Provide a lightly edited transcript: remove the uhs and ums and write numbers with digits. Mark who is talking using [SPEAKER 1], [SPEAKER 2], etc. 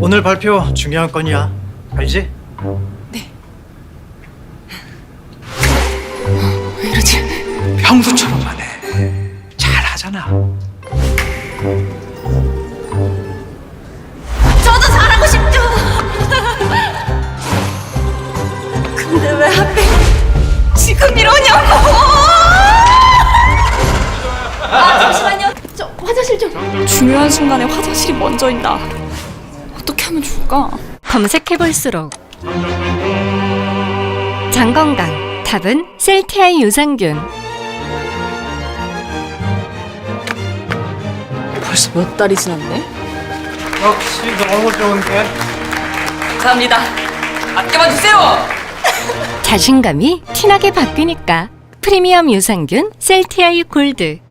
[SPEAKER 1] 오늘 발표 중요한 건이야. 알지?
[SPEAKER 2] 왜 이러지?
[SPEAKER 3] 평소처럼만 해. 잘하잖아.
[SPEAKER 2] 저도 잘하고 싶죠. 근데 왜 하필 지금 이러냐고. 잠시만요. 저 화장실 좀. 중요한 순간에 화장실이 먼저인다. 어떻게 하면 좋을까?
[SPEAKER 4] 검색해볼수록 장건강 답은 셀티아이 유산균.
[SPEAKER 2] 벌써 몇 달이 지났네?
[SPEAKER 1] 역시 너무 좋은데.
[SPEAKER 2] 감사합니다. 아껴봐 주세요.
[SPEAKER 4] 자신감이 티나게 바뀌니까 프리미엄 유산균 셀티아이 골드.